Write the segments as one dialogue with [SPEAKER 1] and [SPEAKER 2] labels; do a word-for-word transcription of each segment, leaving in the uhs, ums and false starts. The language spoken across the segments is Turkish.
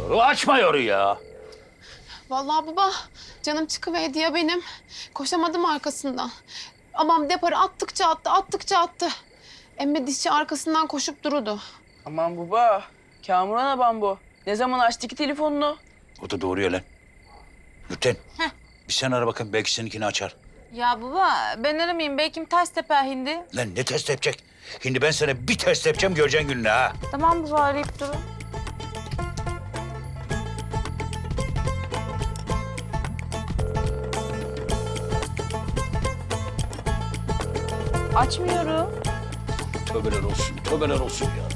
[SPEAKER 1] Açmıyor ya.
[SPEAKER 2] Vallahi baba canım çıkıverdi ya benim. Koşamadım arkasından. Amam deparı attıkça attı, attıkça attı. Emme dişçi arkasından koşup durudu.
[SPEAKER 3] Aman baba, Kamuran abam bu. Ne zaman açtı ki telefonunu?
[SPEAKER 1] O da doğru ya lan. Nurten. Bir sen ara bakın belki seninkini açar.
[SPEAKER 4] Ya baba ben aramayayım. Belki ters teper hindi.
[SPEAKER 1] Lan ne test yapacak? Şimdi ben sana bir test yapacağım göreceksin gününü ha.
[SPEAKER 4] Tamam baba arayıp durun. Açmıyorum.
[SPEAKER 1] Tövbeler olsun, tövbeler olsun ya.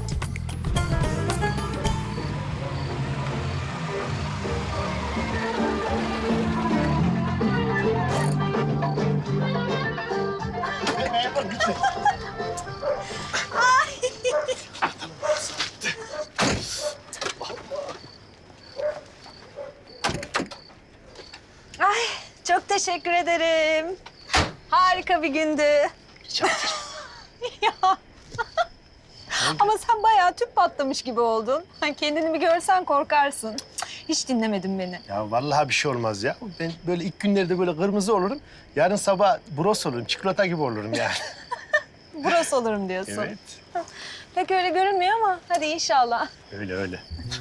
[SPEAKER 5] Ay çok teşekkür ederim. Harika bir gündü.
[SPEAKER 1] Rica ederim.
[SPEAKER 5] Ya. Ama sen bayağı tüp patlamış gibi oldun. Kendini bir görsen korkarsın. Hiç dinlemedin beni.
[SPEAKER 6] Ya vallahi bir şey olmaz ya. Ben böyle ilk günlerde böyle kırmızı olurum. Yarın sabah bros olurum, çikolata gibi olurum yani.
[SPEAKER 5] Burası olurum diyorsun.
[SPEAKER 6] Evet.
[SPEAKER 5] Pek öyle görünmüyor ama hadi inşallah.
[SPEAKER 6] Öyle öyle.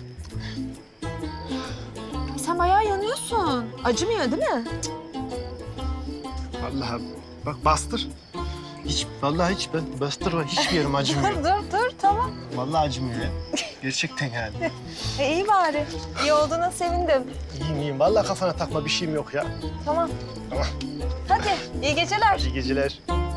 [SPEAKER 5] Sen bayağı yanıyorsun. Acımıyor değil mi?
[SPEAKER 6] Vallahi bak bastır. Hiç, vallahi hiç ben bastırma. Hiçbir yerim acımıyor.
[SPEAKER 5] Dur dur dur tamam.
[SPEAKER 6] Vallahi acımıyor ya. Gerçekten yani.
[SPEAKER 5] E, iyi bari. İyi olduğuna sevindim.
[SPEAKER 6] İyiyim iyiyim. Vallahi kafana takma bir şeyim yok ya.
[SPEAKER 5] Tamam.
[SPEAKER 6] Tamam.
[SPEAKER 5] Hadi iyi geceler.
[SPEAKER 6] İyi geceler.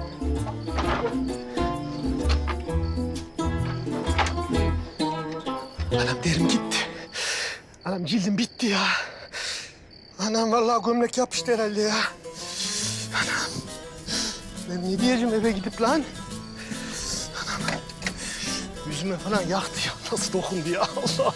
[SPEAKER 6] Anam derim gitti. Anam cildim bitti ya. Anam vallahi gömlek yapıştı herhalde ya. Anam. Ben ne diyeceğim eve gidip lan? Anam. Yüzüme falan yaktı ya. Nasıl dokundu ya Allah.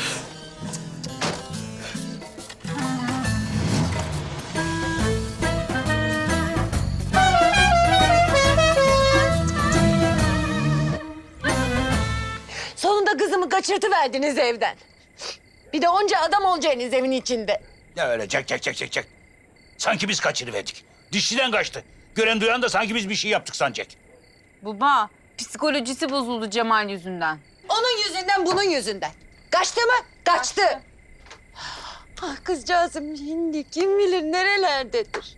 [SPEAKER 7] Sonunda kızımı kaçırtıverdiniz evden. Bir de onca adam olacaksınız evin içinde.
[SPEAKER 1] Ya öyle çek çek çek çek çek. Sanki biz kaçırıverdik. Dişçiden kaçtı. Gören duyan da sanki biz bir şey yaptık sanacak.
[SPEAKER 4] Baba psikolojisi bozuldu Cemal yüzünden.
[SPEAKER 7] Onun yüzünden, bunun yüzünden. Kaçtı mı? Kaçtı. Ah kızcağızım şimdi kim bilir nerelerdedir.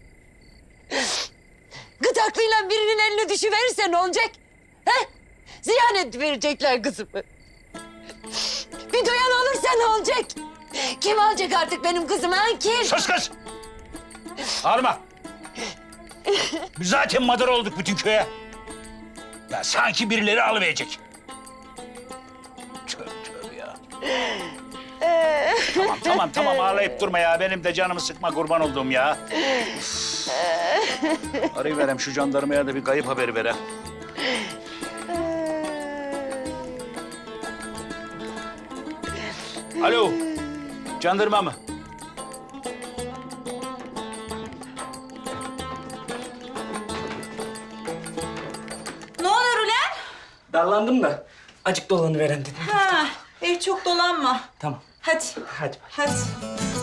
[SPEAKER 7] Gıdaklıyla birinin eline düşüverirse ne olacak? He? Ziyan verecekler kızımı. Bir duyan olursa ne olacak? Kim alacak artık benim kızımı ha? Kim?
[SPEAKER 1] Sus kız! Ağırma. Biz zaten madar olduk bütün köye. Ya sanki birileri alıverecek. Tövbe tövbe ya. Tamam tamam tamam ağlayıp durma ya. Benim de canımı sıkma kurban olduğum ya. Üf. Arayıverem şu jandarmaya da bir kayıp haberi verem. Alo, jandarma mı?
[SPEAKER 8] Ne olur ulan?
[SPEAKER 9] Darlandım da acık dolanıveren dedim.
[SPEAKER 8] Ha, iyi çok dolanma.
[SPEAKER 9] Tamam.
[SPEAKER 8] Hadi,
[SPEAKER 9] Hadi.
[SPEAKER 8] hadi.